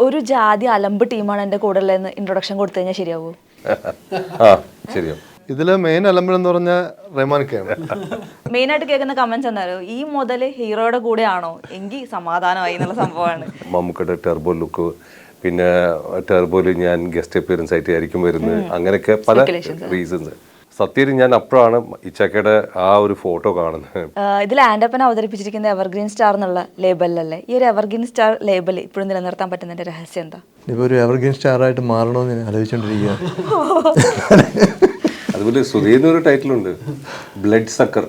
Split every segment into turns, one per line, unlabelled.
ഒരു ജാതി അലമ്പ് ടീമാണ് എൻ്റെ കൂടെ ഉള്ളതെന്ന് ഇൻട്രൊഡക്ഷൻ കൊടുത്തു കഴിഞ്ഞാൽ ശരിയാവൂ?
ശരിയാവും.
ഇതില് മെയിൻ എലമെന്റ് എന്ന് പറഞ്ഞ റഹ്മാൻക്കാണ്.
മെയിൻ ആയിട്ട് കേൾക്കുന്ന കമന്റ്സ് എന്തായാലും ഈ മുതല് ഹീറോയുടെ കൂടെ ആണോ എങ്കിൽ സമാധാനമായി എന്നുള്ള സംഭവമാണ്.
മമ്മൂക്കയുടെ ടെർബോ ലുക്ക്, പിന്നെ ടെർബോയിൽ ഞാൻ ഗസ്റ്റ് അപ്പിയറൻസ് ആയിട്ട് ആയിരിക്കും വരുന്നത്. അങ്ങനെയൊക്കെ പല റീസൺസ്. സത്യത്തിൽ ഞാൻ അപ്പോഴാണ് ഇച്ചാക്കയുടെ ആ ഒരു ഫോട്ടോ കാണുന്നത്.
ഇതിൽ ആൻഡപ്പൻ അവതരിപ്പിച്ചിരിക്കുന്ന എവർഗ്രീൻ സ്റ്റാർ എന്നുള്ള ലേബലിലല്ലേ? ഈ ഒരു എവർഗ്രീൻ സ്റ്റാർ ലേബൽ ഇപ്പോഴും നിലനിർത്താൻ പറ്റുന്നതിന്റെ രഹസ്യം എന്താ?
ഇപ്പൊ ഒരു എവർഗ്രീൻ സ്റ്റാർ ആയിട്ട് മാറണമെന്ന് ഞാൻ ആലോചിച്ചോണ്ടിരിക്കുക.
അതുപോലെ സുധീറിന് ഒരു ടൈറ്റിലുണ്ട്, ബ്ലഡ് സക്കർ.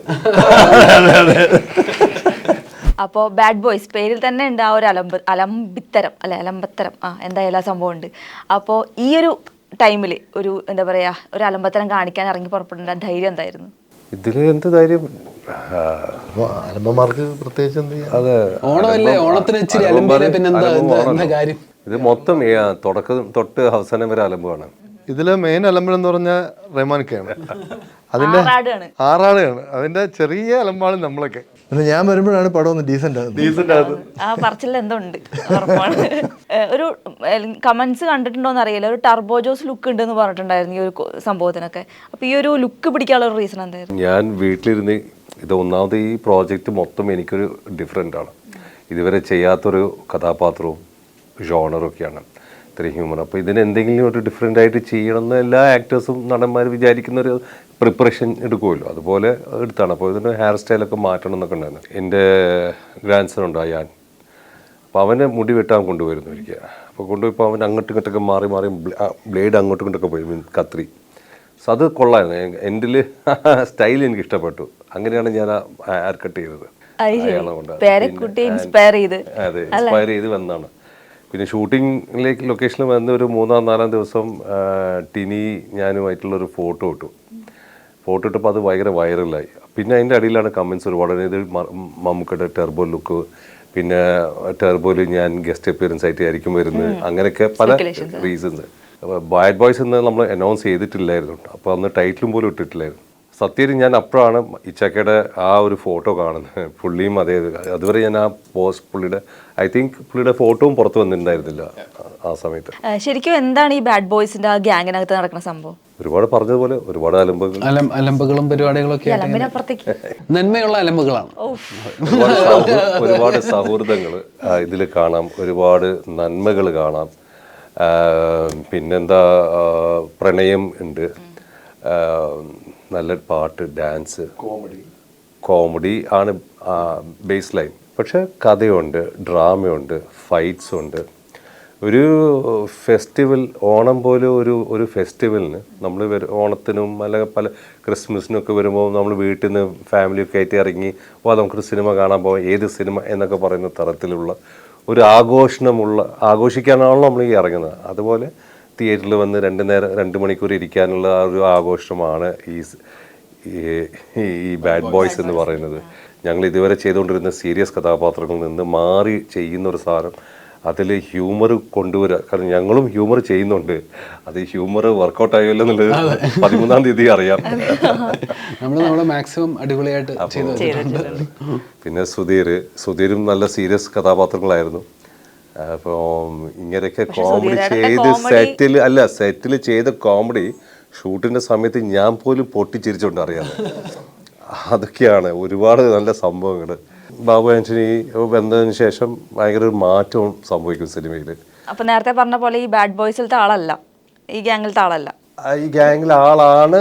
അപ്പോൾ ബാഡ് ബോയ്സ് പേരിൽ തന്നെ ഉണ്ട് ആ ഒരു അലമ്പിത്തരം അല്ലെ, അലമ്പത്തരം, എന്തായാലും ആ സംഭവം ഉണ്ട്. അപ്പോൾ ഈ ഒരു ടൈമിൽ ഒരു എന്താ പറയാ, ഒരു അലമ്പത്തരം കാണിക്കാൻ ഇറങ്ങി പുറപ്പെടേണ്ട ധൈര്യം എന്തായിരുന്നു?
ഇതില് എന്ത് ധൈര്യം,
അലമ്പന്മാർക്ക് പ്രത്യേകിച്ച് എന്ത് ചെയ്യാം.
അതെ, ഇത് മൊത്തം തുടക്കം തൊട്ട് അവസാനം വരെ അലമ്പാണ്.
ഇതില് മെയിൻ എലമെന്റ് എന്ന് പറഞ്ഞ റഹ്മാൻക്കാണ്. അതിന്റെ ആറാടാണ്. അതിന്റെ ചെറിയ അലമ്പാണ് നമ്മളൊക്കെ. ഞാൻ വരുമ്പോഴാണ് പടം ഒന്ന് ഡീസന്റ് ആകുന്നത്.
ആ പറച്ചിൽ എന്തോ ഉണ്ട് ഉറപ്പാണ്. ഒരു കമന്റ്സ് കണ്ടിട്ടുണ്ടോന്ന് അറിയില്ല, ഒരു ടർബോ ജോസ് ലുക്ക് ഉണ്ട് എന്ന് പറഞ്ഞിട്ടുണ്ടായിരുന്നു ഈ ഒരു സംഭവത്തിനൊക്കെ. അപ്പൊ ഈ ഒരു ലുക്ക് പിടിക്കാനുള്ള ഒരു റീസൺ എന്തായിരുന്നു?
ഞാൻ വീട്ടിലിരുന്ന് ഇത് ഒന്നാമത് ഈ പ്രോജക്റ്റ് മൊത്തം എനിക്കൊരു ഡിഫറെൻ്റ് ആണ്. ഇതുവരെ ചെയ്യാത്തൊരു കഥാപാത്രവും ജോണറും ഒക്കെയാണ്, ഇത്രയും ഹ്യൂമൻ. അപ്പോൾ ഇതിന് എന്തെങ്കിലും ഒരു ഡിഫറെൻ്റ് ആയിട്ട് ചെയ്യണമെന്ന് എല്ലാ ആക്ടേഴ്സും നടന്മാരും വിചാരിക്കുന്ന ഒരു പ്രിപ്പറേഷൻ എടുക്കുമല്ലോ, അതുപോലെ എടുത്താണ്. അപ്പോൾ ഇതിൻ്റെ ഹെയർ സ്റ്റൈലൊക്കെ മാറ്റണം എന്നൊക്കെ ഉണ്ടായിരുന്നു. എൻ്റെ ഗ്രാൻഡ് സൺ ഉണ്ട് അയാൻ. അപ്പോൾ അവനെ മുടി വെട്ടാൻ കൊണ്ടുവരുന്നു ഒരിക്കൽ. അപ്പോൾ കൊണ്ടുപോയപ്പോൾ അവൻ അങ്ങോട്ടും ഇങ്ങോട്ടൊക്കെ മാറി മാറി ബ്ലേഡ് അങ്ങോട്ടും ഇങ്ങോട്ടൊക്കെ പോയി, കത്രി. സോ അത് കൊള്ളായിരുന്നു. എൻ്റെ സ്റ്റൈൽ എനിക്ക് ഇഷ്ടപ്പെട്ടു. അങ്ങനെയാണ് ഞാൻ ഹെയർ കട്ട് ചെയ്തത്.
അതെ, ഇൻസ്പയർ
ചെയ്ത് വന്നതാണ്. പിന്നെ ഷൂട്ടിങ്ങിലേക്ക് ലൊക്കേഷനിൽ വന്ന് ഒരു 3-4 ദിവസം ടിനി ഞാനുമായിട്ടുള്ളൊരു ഫോട്ടോ ഇട്ടപ്പോൾ അത് ഭയങ്കര വൈറലായി. പിന്നെ അതിൻ്റെ അടിയിലാണ് കമൻസ് ഒരുപാട്. ഇത് മമ്മൂക്കയുടെ ടെർബോ ലുക്ക്, പിന്നെ ടെർബോയിൽ ഞാൻ ഗസ്റ്റ് അപ്പിയറൻസ് ആയിട്ട് ആയിരിക്കും വരുന്നത്. അങ്ങനെയൊക്കെ പല റീസൺസ്. ബാഡ് ബോയ്സ് എന്ന് നമ്മൾ അനൗൺസ് ചെയ്തിട്ടില്ലായിരുന്നു. അപ്പോൾ അന്ന് ടൈറ്റിലും പോലും ഇട്ടിട്ടില്ലായിരുന്നു. സത്യത്തിൽ ഞാൻ അപ്പോഴാണ് ഇച്ചാക്കയുടെ ആ ഒരു ഫോട്ടോ കാണുന്നത്. പുള്ളിയും അതുവരെ ഞാൻ ആ പോസ്റ്റ് ഐ തിങ്ക് പുള്ളിയുടെ ഫോട്ടോയും പുറത്ത് വന്നിട്ടുണ്ടായിരുന്നില്ല ആ സമയത്ത്.
ശരിക്കും എന്താണ് ഈ ബാഡ് ബോയ്സിന്റെ ആ ഗ്യാങ്ങിനകത്ത് നടക്കുന്ന സംഭവം?
ഒരുപാട് പറഞ്ഞതുപോലെ ഒരുപാട്
അലമ്പുകളും പരിപാടികളൊക്കെ നന്മയുള്ള അലമ്പുകളാണ്.
ഒരുപാട് സൗഹൃദങ്ങൾ ഇതിൽ കാണാം, ഒരുപാട് നന്മകൾ കാണാം. പിന്നെന്താ, പ്രണയം ഉണ്ട്, നല്ല പാട്ട്, ഡാൻസ്, കോമഡി ആണ് ബേസ് ലൈൻ. പക്ഷെ കഥയുണ്ട്, ഡ്രാമയുണ്ട്, ഫൈറ്റ്സ് ഉണ്ട്. ഒരു ഫെസ്റ്റിവൽ, ഓണം പോലെ ഒരു ഫെസ്റ്റിവലിന് നമ്മൾ ഓണത്തിനും അല്ലെങ്കിൽ പല ക്രിസ്മസിനും ഒക്കെ വരുമ്പോൾ നമ്മൾ വീട്ടിൽ നിന്ന് ഫാമിലിയൊക്കെ ആയിട്ട് ഇറങ്ങി നമുക്കൊരു സിനിമ കാണാൻ പോകാം, ഏത് സിനിമ എന്നൊക്കെ പറയുന്ന തരത്തിലുള്ള ഒരു ആഘോഷിക്കാനാണല്ലോ നമ്മൾ ഈ ഇറങ്ങുന്നത്. അതുപോലെ തിയേറ്ററിൽ വന്ന് 2 മണിക്കൂർ ഇരിക്കാനുള്ള ആ ഒരു ആഘോഷമാണ് ഈ ബാഡ് ബോയ്സ് എന്ന് പറയുന്നത്. ഞങ്ങൾ ഇതുവരെ ചെയ്തുകൊണ്ടിരുന്ന സീരിയസ് കഥാപാത്രങ്ങളിൽ നിന്ന് മാറി ചെയ്യുന്ന ഒരു സാധനം, അതിൽ ഹ്യൂമർ കൊണ്ടുവരിക. കാരണം ഞങ്ങളും ഹ്യൂമർ ചെയ്യുന്നുണ്ട്. അത് ഹ്യൂമർ വർക്കൗട്ട് ആയല്ലോ എന്നുള്ളത് 13-ാം തീയതി അറിയാം.
നമ്മൾ മാക്സിമം അടിപൊളിയായിട്ട് ചെയ്തിട്ടുണ്ട്.
പിന്നെ സുധീരും നല്ല സീരിയസ് കഥാപാത്രങ്ങളായിരുന്നു. അപ്പോൾ ഇങ്ങനെയൊക്കെ കോമഡി ചെയ്ത് സെറ്റിൽ ചെയ്ത കോമഡി ഷൂട്ടിൻ്റെ സമയത്ത് ഞാൻ പോലും പൊട്ടിച്ചിരിച്ചുകൊണ്ട് അറിയാം. അതൊക്കെയാണ് ഒരുപാട് നല്ല സംഭവങ്ങൾ. ബാബു ആന്റണി വന്നതിന് ശേഷം ഭയങ്കര ഒരു മാറ്റവും സംഭവിക്കും സിനിമയിൽ.
അപ്പൊ നേരത്തെ പറഞ്ഞ പോലെ ഈ ബാഡ് ബോയ്സിലത്തെ ആളല്ല, ഈ ഗ്യാങ്ങിലത്തെ ആളല്ല.
ഈ ഗ്യാങ്ങിൽ ആളാണ്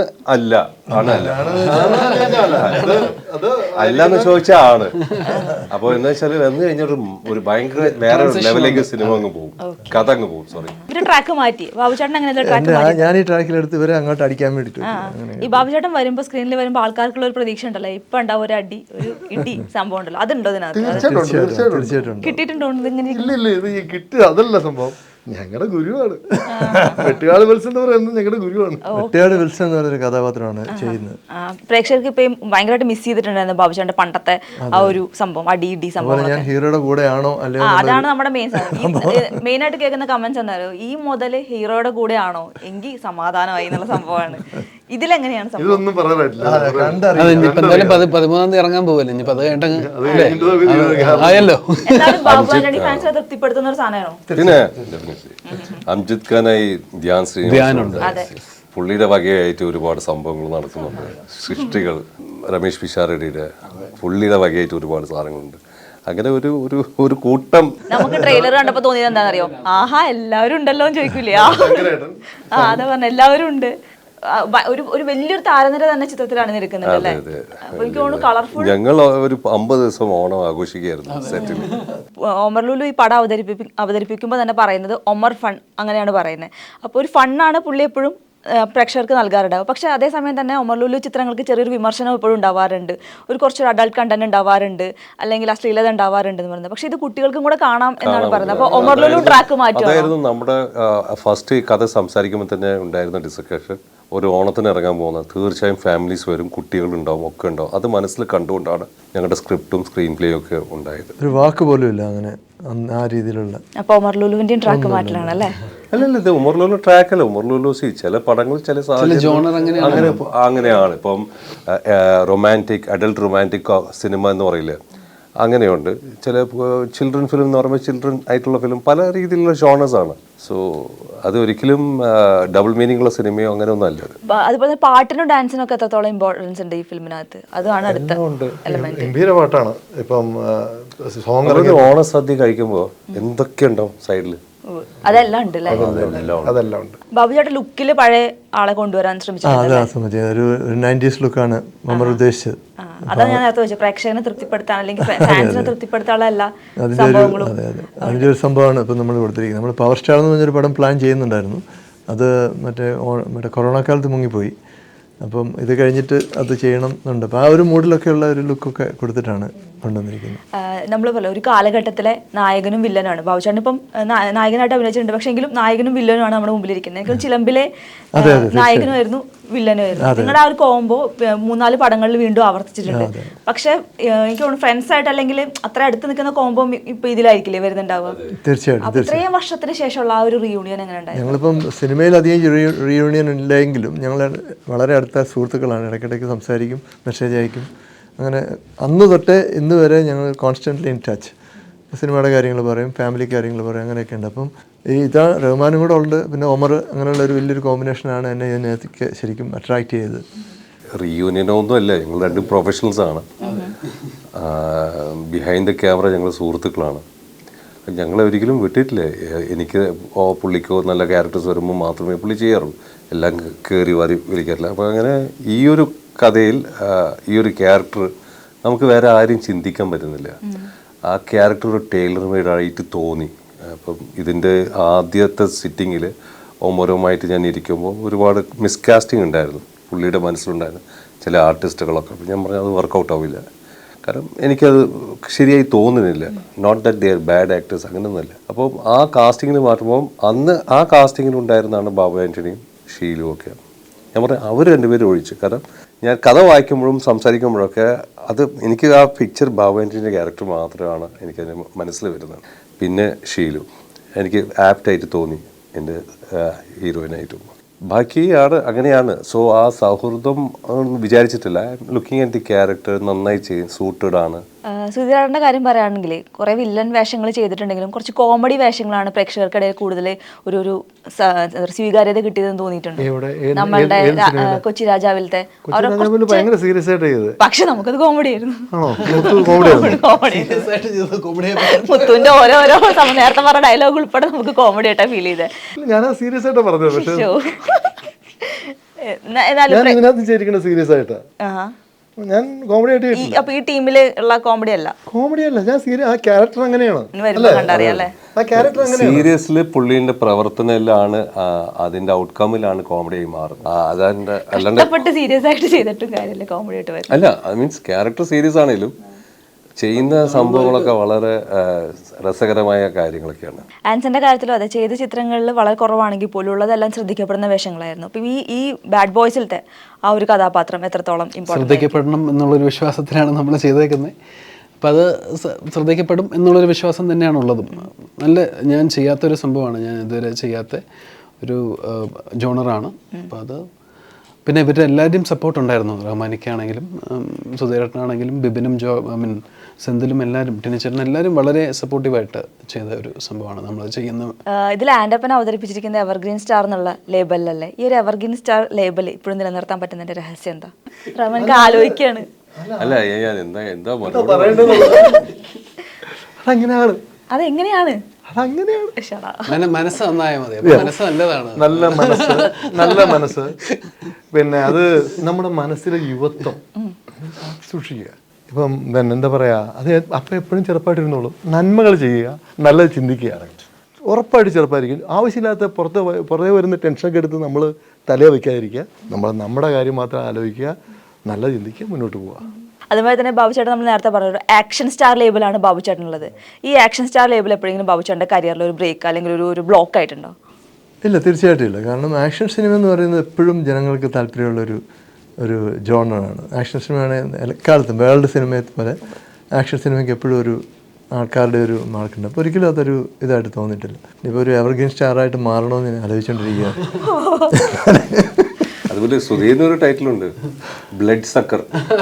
അല്ലാന്ന് ചോദിച്ചാൽ ആണ്. അപ്പൊ എന്താ വെച്ചാൽ വന്നു കഴിഞ്ഞാൽ ഒരു ഭയങ്കര വേറെ ലെവലിലേക്ക് സിനിമ അങ്ങ് പോകും, കഥ അങ്ങ് പോകും. സോറി,
ട്രാക്ക് മാറ്റി ബാബുചേട്ടൻ അങ്ങനെ
ഞാൻ ഈ ട്രാക്കിലെടുത്ത് ഇവരെ അങ്ങോട്ട് അടിക്കാൻ വേണ്ടിട്ട്.
ഈ ബാബുചേട്ടൻ വരുമ്പോ സ്ക്രീനിൽ വരുമ്പോ ആൾക്കാർക്കുള്ള ഒരു പ്രതീക്ഷ ഉണ്ടല്ലോ, ഇപ്പൊ ഉണ്ടാവും ഒരു അടി, ഒരു ഇടി സംഭവം ഉണ്ടല്ലോ, അതുണ്ടോ ഇതിനകത്ത്? കിട്ടിയിട്ടുണ്ടോ?
കിട്ടുക അതല്ല സംഭവം. ഞങ്ങളുടെ ഗുരുവാണ് വെട്ടുകാട് വിൽസൺ എന്ന് പറയുന്നത്. ഞങ്ങളുടെ ഗുരുവാണ് വെട്ടുകാട് വിൽസൺ എന്ന് പറയുന്ന കഥാപാത്രമാണ് ചെയ്യുന്നത്.
പ്രേക്ഷകർക്ക് ഇപ്പം ഭയങ്കരമായിട്ട് മിസ് ചെയ്തിട്ടുണ്ടായിരുന്നു ബാബുചേട്ടന്റെ പണ്ടത്തെ ആ ഒരു സംഭവം, അടി സംഭവം.
ഞാൻ ഹീറോയുടെ കൂടെയാണോ അല്ലെങ്കിൽ
അതാണ് നമ്മുടെ മെയിൻ ആയിട്ട് കേൾക്കുന്ന കമന്റ്സ് എന്തായാലും ഈ മുതല് ഹീറോയുടെ കൂടെ ആണോ എങ്കിൽ സമാധാനമായി എന്നുള്ള സംഭവമാണ്. ഇതിലെങ്ങനെയാണ് സംഭവം?
ഇതൊന്നും പറയാനായിട്ടില്ല.
അത് ഇനിയിപ്പോ എന്തായാലും 13-ാം തീയതി ഇറങ്ങാൻ പോവല്ലേ, ഇനിയിപ്പോ അത് കഴിഞ്ഞിട്ട് ആയല്ലോ.
എന്നാലും ബാബു ആന്റണി ഫാൻസിനെ തൃപ്തിപ്പെടുത്തുന്ന ഒരു സാധനമാണോ?
പിന്നെ അംജിത് ഖാനായി ധ്യാൻ ശ്രീനിവാസുണ്ട്. പുള്ളിയുടെ വകയായിട്ട് ഒരുപാട് സംഭവങ്ങൾ നടക്കുന്നുണ്ട്. സൃഷ്ടികൾ രമേശ് പിഷാരടിയുടെ പുള്ളിയുടെ വകയായിട്ട് ഒരുപാട് സാധനങ്ങളുണ്ട്. അങ്ങനെ ഒരു ഒരു ഒരു കൂട്ടം.
നമുക്ക് ട്രെയിലർ കണ്ടപ്പോ തോന്നിയത് എന്താണെന്നറിയോ? ആഹാ എല്ലാവരും ഉണ്ടല്ലോ എന്ന് ചോദിക്കൂലേ? അതാ പറഞ്ഞ എല്ലാവരും ഉണ്ട്. ഒരു വലിയൊരു താരനിര തന്നെ ചിത്രത്തിലാണ് നിൽക്കുന്നത് അല്ലേ? അപ്പൊ എനിക്ക് തോന്നുന്നു കളർഫുൾ.
ഞങ്ങൾ ഒരു 50 ദിവസം ഓണം ആഘോഷിക്കുകയായിരുന്നു സെറ്റിൽ.
ഒമർ ലുലു ഈ പടം അവതരിപ്പിക്കുമ്പോൾ തന്നെ പറയുന്നത് ഒമർ ഫൺ അങ്ങനെയാണ് പറയുന്നത്. അപ്പോൾ ഒരു ഫണ്ണാണ് പുള്ളി എപ്പോഴും പ്രേക്ഷകർക്ക് നൽകാറുണ്ടാവും. പക്ഷേ അതേസമയം തന്നെ ഒമർ ലുലു ചിത്രങ്ങൾക്ക് ചെറിയൊരു വിമർശനം എപ്പോഴും ഉണ്ടാവാറുണ്ട്. കുറച്ചൊരു അഡൾട്ട് കണ്ടന്റ് ഉണ്ടാവാറുണ്ട്, അല്ലെങ്കിൽ അശ്ലീലത ഉണ്ടാവാറുണ്ട് എന്ന് പറയുന്നത്. പക്ഷേ ഇത് കുട്ടികൾക്കും കൂടെ കാണാം എന്നാണ് പറയുന്നത്. അപ്പോൾ ഒമർ ലുലു ട്രാക്ക് മാറ്റും.
അതായിരുന്നു നമ്മുടെ ഫസ്റ്റ് കഥ സംസാരിക്കുമ്പോൾ തന്നെ ഉണ്ടായിരുന്ന ഡിസ്കഷൻ. ഒരു ഓണത്തിന് ഇറങ്ങാൻ പോകുന്നത് തീർച്ചയായും ഫാമിലീസ് വരും, കുട്ടികളുണ്ടാവും, ഒക്കെ ഉണ്ടാവും. അത് മനസ്സിൽ കണ്ടുകൊണ്ടാണ് ഞങ്ങളുടെ സ്ക്രിപ്റ്റും സ്ക്രീൻ പ്ലേയും ഒക്കെ ഉണ്ടായത്.
ഒരു വാക്ക് പോലും ഇല്ല അങ്ങനെ ആ രീതിയിലുള്ള.
അപ്പോൾ ഒമർ ലുലുവിന്റെയും ട്രാക്ക് മാറ്റലാണ് അല്ലേ?
അല്ലല്ല, ഇത് ഉമർ ലുലു ട്രാക്കല്ല. ഉമർ ലുലു ചില പടങ്ങൾ ചില അങ്ങനെയാണ്. ഇപ്പം റൊമാൻറ്റിക്, അഡൽട്ട് റൊമാൻറ്റിക് സിനിമ എന്ന് പറയില്ല, അങ്ങനെയുണ്ട്. ചില ചിൽഡ്രൻ ഫിലിം എന്ന് പറയുമ്പോൾ ചിൽഡ്രൻ ആയിട്ടുള്ള ഫിലിം പല രീതിയിലുള്ള ജോണേഴ്സ് ആണ്. സോ അത് ഒരിക്കലും ഡബിൾ മീനിങ് ഉള്ള സിനിമയോ അങ്ങനെ ഒന്നും അല്ല.
അതുപോലെ പാട്ടിനും ഡാൻസിനും ഒക്കെ എത്രത്തോളം ഇമ്പോർട്ടൻസ് ഉണ്ട് ഈ ഫിലിമിനകത്ത്? അതാണ് അടുത്ത എലമെന്റ്.
ഗംഭീര പാട്ടാണ്. ഇപ്പം
ഓണസദ്യ കഴിക്കുമ്പോൾ എന്തൊക്കെ ഉണ്ടാവും സൈഡിൽ,
അതെല്ലാം ഉണ്ട് അല്ലേ?
അതെല്ലാം ഉണ്ട്.
ബാബു ചേട്ടൻ ലുക്കിൽ പഴയ ആളെ കൊണ്ടുവരാൻ ശ്രമിച്ചു.
ഒരു 90s ലുക്കാണ് നമ്മൾ ഉദ്ദേശിച്ചത്.
അതാണ് ഞാൻ നേരത്തെ വെച്ചത്, പ്രേക്ഷകനെ തൃപ്തിപ്പെടുത്താൻ അല്ലെങ്കിൽ ഫാൻസിനെ തൃപ്തിപ്പെടുത്താനുള്ള സംഭവങ്ങളും.
അതിൻ്റെ ഒരു സംഭവമാണ് ഇപ്പം നമ്മൾ കൊടുത്തിരിക്കുന്നത്. നമ്മൾ പവർ സ്റ്റാർ എന്ന് പറഞ്ഞൊരു പടം പ്ലാൻ ചെയ്യുന്നുണ്ടായിരുന്നു. അത് മറ്റേ കൊറോണ കാലത്ത് മുങ്ങിപ്പോയി. അപ്പം ഇത് കഴിഞ്ഞിട്ട് അത് ചെയ്യണം എന്നുണ്ട്. അപ്പോൾ ആ ഒരു മൂഡിലൊക്കെ ഉള്ള ഒരു ലുക്കൊക്കെ കൊടുത്തിട്ടാണ് കൊണ്ടുവന്നിരിക്കുന്നത്.
നമ്മൾ പോലെ ഒരു കാലഘട്ടത്തിലെ നായകനും വില്ലനാണ് ബാബുചേട്ടൻ. ഇപ്പം നായകനായിട്ട് അഭിനയിച്ചിട്ടുണ്ട്, പക്ഷേ എങ്കിലും നായകനും വില്ലനുമാണ് നമ്മുടെ മുമ്പിലിരിക്കുന്നത്. എനിക്ക് ചിലമ്പിലെ നായകനുമായിരുന്നു വില്ലനുമായിരുന്നു. നിങ്ങളുടെ ആ ഒരു കോംബോ 3-4 പടങ്ങളിൽ വീണ്ടും ആവർത്തിച്ചിട്ടുണ്ട്. പക്ഷെ എനിക്ക് തോന്നുന്നു ഫ്രണ്ട്സ് ആയിട്ട് അല്ലെങ്കിൽ അത്ര അടുത്ത് നിൽക്കുന്ന കോംബോ ഇപ്പൊ ഇതിലായിരിക്കില്ലേ വരുന്നുണ്ടാവുക?
തീർച്ചയായിട്ടും.
ഇത്രയും വർഷത്തിന് ശേഷമുള്ള ആ ഒരു റീയൂണിയൻ എങ്ങനെ ഉണ്ടായിരുന്നു?
ഞങ്ങളിപ്പം സിനിമയിൽ അധികം റീയൂണിയൻ ഇല്ലെങ്കിലും ഞങ്ങൾ വളരെ അടുത്ത സുഹൃത്തുക്കളാണ്. ഇടയ്ക്കിടയ്ക്ക് സംസാരിക്കും, മെസ്സേജ് അയക്കും. അങ്ങനെ അന്ന് തൊട്ടേ ഇന്ന് വരെ ഞങ്ങൾ കോൺസ്റ്റൻ്റ്ലി ഇൻ ടച്ച്. സിനിമയുടെ കാര്യങ്ങൾ പറയും, ഫാമിലി കാര്യങ്ങൾ പറയും, അങ്ങനെയൊക്കെ ഉണ്ട്. അപ്പം ഇതാ റഹ്മാനും കൂടെ ഉണ്ട്, പിന്നെ ഒമർ, അങ്ങനെയുള്ള ഒരു വലിയൊരു കോമ്പിനേഷനാണ് എന്നെ ഇതിനകത്തേക്ക് ശരിക്കും അട്രാക്ട് ചെയ്തത്.
റീയൂണിയനൊന്നും അല്ല, ഞങ്ങൾ രണ്ടും പ്രൊഫഷണൽസ് ആണ്. ബിഹൈൻഡ് ദ ക്യാമറ ഞങ്ങൾ സുഹൃത്തുക്കളാണ്. ഞങ്ങളെ ഒരിക്കലും വിട്ടിട്ടില്ല. എനിക്ക് പുള്ളിക്കോ നല്ല ക്യാരക്ടേഴ്സ് വരുമ്പോൾ മാത്രമേ പുള്ളി ചെയ്യാറുള്ളൂ, എല്ലാം കയറി വാരി വിളിക്കാറില്ല. അപ്പോൾ അങ്ങനെ ഈ ഒരു കഥയിൽ ഈ ഒരു ക്യാരക്ടർ നമുക്ക് വേറെ ആരും ചിന്തിക്കാൻ പറ്റുന്നില്ല. ആ ക്യാരക്ടർ ഒരു ടൈലർ മെയ്ഡ് ആയിട്ട് തോന്നി. അപ്പം ഇതിൻ്റെ ആദ്യത്തെ സിറ്റിങ്ങിൽ ഓമോരവുമായിട്ട് ഞാൻ ഇരിക്കുമ്പോൾ ഒരുപാട് മിസ്കാസ്റ്റിംഗ് ഉണ്ടായിരുന്നു പുള്ളിയുടെ മനസ്സിലുണ്ടായിരുന്നു, ചില ആർട്ടിസ്റ്റുകളൊക്കെ. അപ്പം ഞാൻ പറഞ്ഞു അത് വർക്കൗട്ട് ആവില്ല, കാരണം എനിക്കത് ശരിയായി തോന്നുന്നില്ല. Not that they are bad actors, അങ്ങനെയൊന്നുമല്ല. അപ്പോൾ ആ കാസ്റ്റിങ്ങിന് മാറ്റുമ്പോൾ അന്ന് ആ കാസ്റ്റിങ്ങിലുണ്ടായിരുന്നതാണ് ബാബു ആൻ്റണിയും ഷീലും ഒക്കെ. ഞാൻ പറഞ്ഞു അവർ രണ്ടുപേരും ഒഴിച്ചു. കാരണം ഞാൻ കഥ വായിക്കുമ്പോഴും സംസാരിക്കുമ്പോഴൊക്കെ അത് എനിക്ക് ആ പിക്ചർ ബാബു ആൻ്റണിയുടെ ക്യാരക്ടർ മാത്രമാണ് എനിക്കതിന് മനസ്സിൽ വരുന്നത്. പിന്നെ ഷീലു എനിക്ക് ആപ്റ്റായിട്ട് തോന്നി എൻ്റെ ഹീറോയിനായിട്ടും. ബാക്കി ആട് അങ്ങനെയാണ്. സോ ആ സൗഹൃദം വിചാരിച്ചിട്ടില്ല. ലുക്കിംഗ് അറ്റ് ദി ക്യാരക്ടർ നന്നായി സൂട്ടഡ് ആണ്.
സുധീരാടൻ്റെ കാര്യം പറയുകയാണെങ്കിൽ കുറേ വില്ലൻ വേഷങ്ങൾ ചെയ്തിട്ടുണ്ടെങ്കിലും കുറച്ച് കോമഡി വേഷങ്ങളാണ് പ്രേക്ഷകർക്കിടയിൽ കൂടുതൽ ഒരു സ്വീകാര്യത കിട്ടിയതെന്ന് തോന്നിയിട്ടുണ്ട്. നമ്മളുടെ കൊച്ചി രാജാവിലത്തെ പക്ഷെ നമുക്കത് കോമഡി ആയിരുന്നു. മുത്തുവിന്റെ ഓരോരോ നേരത്തെ പറഞ്ഞ ഡയലോഗ് ഉൾപ്പെടെ നമുക്ക് കോമഡി ആയിട്ടാ ഫീൽ ചെയ്തത്.
ഞാൻ കോമഡി ആയിട്ട്
അപ്പൊ ഈ ടീമില് ഉള്ള കോമഡി അല്ല
ഞാൻ ആ ക്യാരക്ടർ അങ്ങനെയാണ്.
സീരിയസ്ലി പുള്ളിന്റെ പ്രവർത്തനത്തിലാണ് അതിന്റെ ഔട്ട്കമ്മിലാണ് കോമഡി ആയി മാറുന്നത്. അതാണ്ട് അല്ലാണ്ട്
സീരിയസ് ആയിട്ട് ചെയ്തിട്ടും കാര്യമില്ല, കോമഡി ആയിട്ട് വരും.
അല്ല, ഐ മീൻസ് ക്യാരക്ടർ സീരിയസ് ആണെങ്കിലും ചെയ്യുന്ന സംഭവങ്ങളൊക്കെ വളരെ രസകരമായ കാര്യങ്ങളൊക്കെയാണ്.
ആൻസന്റെ കാര്യത്തിലും അതെ, ചെയ്ത ചിത്രങ്ങളിൽ വളരെ കുറവാണെങ്കിൽ പോലും ഉള്ളതെല്ലാം ശ്രദ്ധിക്കപ്പെടുന്ന വേഷങ്ങളായിരുന്നു. അപ്പൊ ഈ ബാഡ് ബോയ്സിലത്തെ ആ ഒരു കഥാപാത്രം എത്രത്തോളം
ശ്രദ്ധിക്കപ്പെടണം എന്നുള്ളൊരു വിശ്വാസത്തിലാണ് നമ്മൾ ചെയ്തേക്കുന്നത്. അപ്പം അത് ശ്രദ്ധിക്കപ്പെടും എന്നുള്ളൊരു വിശ്വാസം തന്നെയാണുള്ളതും. നല്ല ഞാൻ ചെയ്യാത്തൊരു സംഭവമാണ്, ഞാൻ ഇതുവരെ ചെയ്യാത്ത ഒരു ജോണറാണ്. അപ്പം അത് പിന്നെ ഇവരുടെ എല്ലാവരുടെയും സപ്പോർട്ട് ഉണ്ടായിരുന്നു. റഹ്മാനിക്കാണെങ്കിലും സുധീരേട്ടനാണെങ്കിലും ബിബിനും സെന്തിലും എല്ലാവരും ടിനിച്ചേട്ടൻ എല്ലാവരും വളരെ സപ്പോർട്ടീവായിട്ട് ചെയ്ത ഒരു സംഭവമാണ് നമ്മൾ ചെയ്യുന്നത്.
ഇതിൽ ആൻഡപ്പൻ അവതരിപ്പിച്ചിരിക്കുന്ന എവർഗ്രീൻ സ്റ്റാർ എന്നുള്ള ലേബലിലല്ലേ? ഈ ഒരു എവർഗ്രീൻ സ്റ്റാർ ലേബൽ ഇപ്പോഴും നിലനിർത്താൻ പറ്റുന്നതിന്റെ രഹസ്യം എന്താ? റഹ്മാനിക്ക് ആലോചിക്കാണ്.
അല്ല ഞാൻ എന്താ
അതങ്ങനെയാണ്.
അതെങ്ങനെയാണ്?
അതങ്ങനെയാണ്.
മനസ്സ് നന്നായാൽ മതി. മനസ്സ് നല്ലതാണ്.
നല്ല മനസ്സ്. പിന്നെ അത് നമ്മുടെ മനസ്സിലെ യുവത്വം സൂക്ഷിക്കുക. ഇപ്പം പിന്നെ എന്താ പറയുക, അത് അപ്പം എപ്പോഴും ചെറുപ്പമായിട്ടിരുന്നോളും. നന്മകൾ ചെയ്യുക, നല്ലത് ചിന്തിക്കുക, ഉറപ്പായിട്ട് ചെറുപ്പമായിരിക്കും. ആവശ്യമില്ലാത്ത പുറത്തേ വരുന്ന ടെൻഷനൊക്കെ എടുത്ത് നമ്മൾ തലയെ വയ്ക്കാതിരിക്കുക. നമ്മുടെ കാര്യം മാത്രം ആലോചിക്കുക, നല്ല ചിന്തിക്കുക, മുന്നോട്ട് പോവുക.
അതുപോലെ തന്നെ ബാബുചേട്ടൻ നമ്മൾ നേരത്തെ പറഞ്ഞൊരു ആക്ഷൻ സ്റ്റാർ ലേബിളാണ് ബാബുചേട്ടനുള്ളത്. ഈ ആക്ഷൻ സ്റ്റാർ ലേബിൾ എപ്പോഴെങ്കിലും ബാബുചേട്ടൻ്റെ കരിയറിൽ ഒരു ബ്രേക്ക് അല്ലെങ്കിൽ ഒരു ബ്ലോക്ക് ആയിട്ടുണ്ടോ?
ഇല്ല, തീർച്ചയായിട്ടും ഇല്ല. കാരണം ആക്ഷൻ സിനിമ എന്ന് പറയുന്നത് എപ്പോഴും ജനങ്ങൾക്ക് താല്പര്യമുള്ളൊരു ജോണറാണ്. ആക്ഷൻ സിനിമയാണ് എക്കാലത്തും വേൾഡ് സിനിമയെ പോലെ ആക്ഷൻ സിനിമയ്ക്ക് എപ്പോഴും ഒരു ആൾക്കാരുടെ ഒരു മാർക്കുണ്ട്. അപ്പോൾ ഒരിക്കലും അതൊരു ഇതായിട്ട് തോന്നിയിട്ടില്ല. ഇപ്പോൾ ഒരു എവർഗ്രീൻ സ്റ്റാറായിട്ട് മാറണമെന്ന് ഞാൻ ആലോചിച്ചുകൊണ്ടിരിക്കുകയാണ്.
അതുപോലെ സുധീറിന് ഒരു ടൈറ്റിലുണ്ട്, ബ്ലഡ് സക്കർ.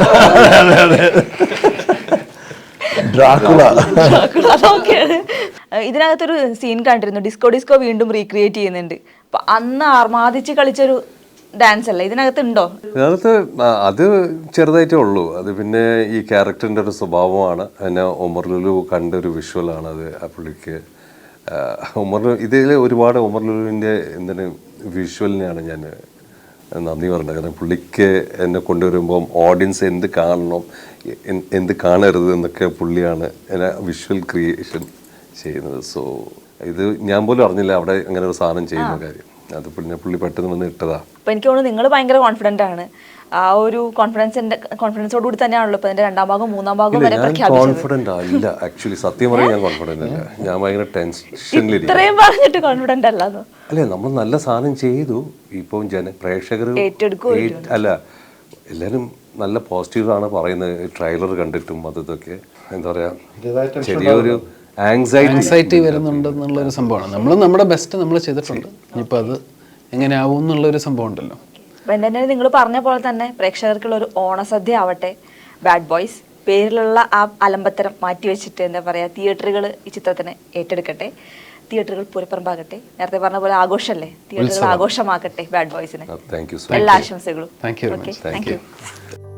ഇതിനകത്തൊരു സീൻ കണ്ടിരുന്നു, ഡിസ്കോ വീണ്ടും റീക്രിയേറ്റ് ചെയ്യുന്നുണ്ട്. അപ്പൊ അന്ന് ആർമാദിച്ച് കളിച്ചൊരു ഡാൻസ് അല്ലേ ഇതിനകത്ത് ഉണ്ടോ?
ഇതിനകത്ത് അത് ചെറുതായിട്ടേ ഉള്ളൂ. അത് പിന്നെ ഈ ക്യാരക്ടറിൻ്റെ ഒരു സ്വഭാവമാണ്. എന്നെ ഒമർ ലുലു കണ്ടൊരു വിഷ്വലാണ് അത്. ആ പുള്ളിക്ക് ഇതിൽ ഒരുപാട് ഒമർ ലുലുവിൻ്റെ എന്താണ് വിഷ്വലിനെയാണ് ഞാൻ നന്ദി പറഞ്ഞത്. കാരണം പുള്ളിക്ക് എന്നെ കൊണ്ടുവരുമ്പം ഓഡിയൻസ് എന്ത് കാണണം എന്ത് കാണരുത് എന്നൊക്കെ പുള്ളിയാണ് എന്നെ വിഷ്വൽ ക്രിയേഷൻ ചെയ്യുന്നത്. സോ ഇത് ഞാൻ പോലും അറിഞ്ഞില്ല അവിടെ അങ്ങനെ ഒരു സാധനം ചെയ്യുന്ന കാര്യം. അത് പിന്നെ പുള്ളി പെട്ടെന്ന് വന്ന് ഇട്ടതാ.
അപ്പൊ എനിക്ക് തോന്നുന്നു നിങ്ങൾ ഭയങ്കര കോൺഫിഡന്റ് ആണ്. ആ ഒരു കോൺഫിഡൻസോട് കൂടി തന്നെയാണല്ലോ ഇപ്പൊ ഇതിന്റെ 2ാം ഭാഗം 3ാം ഭാഗം വരെ പ്രഖ്യാപിച്ചത്.
കോൺഫിഡന്റ് അല്ല, ആക്ച്വലി സത്യം പറയാൻ ഞാൻ കോൺഫിഡന്റ് അല്ല. ഞാൻ ഭയങ്കര ടെൻഷനിലിരിക്കും.
ഇത്രയും പറഞ്ഞിട്ട് കോൺഫിഡന്റ് അല്ലാന്നോ?
അല്ലേ, നമ്മൾ നല്ല സാധനം ചെയ്തു. ഇപ്പം പ്രേക്ഷകർ അല്ല എല്ലാവരും നല്ല പോസിറ്റീവാണ് പറയുന്നത്. ട്രെയിലർ കണ്ടിട്ടും അതൊക്കെ എന്താ പറയാ ചെറിയൊരു
ആങ്സൈറ്റി വരുന്നുണ്ടെന്നുള്ളൊരു സംഭവമാണ്. നമ്മൾ നമ്മുടെ ബെസ്റ്റ് നമ്മൾ ചെയ്തിട്ടുണ്ട്. ഇനിയിപ്പോൾ അത് എങ്ങനെയാവും എന്നുള്ളൊരു സംഭവം ഉണ്ടല്ലോ.
അപ്പം എൻ്റെ നിങ്ങൾ പറഞ്ഞ പോലെ തന്നെ പ്രേക്ഷകർക്കുള്ള ഒരു ഓണസദ്യ ആവട്ടെ ബാഡ് ബോയ്സ്. പേരിലുള്ള ആ അലമ്പത്തരം മാറ്റിവെച്ചിട്ട് എന്താ പറയുക, തിയേറ്ററുകൾ ഈ ചിത്രത്തിനെ ഏറ്റെടുക്കട്ടെ, തിയേറ്ററുകൾ പൂരപ്പറമ്പാകട്ടെ. നേരത്തെ പറഞ്ഞ പോലെ ആഘോഷമല്ലേ, തിയേറ്ററുകൾ ആഘോഷമാക്കട്ടെ ബാഡ് ബോയ്സിനെ. എല്ലാ ആശംസകളും.
Thank U.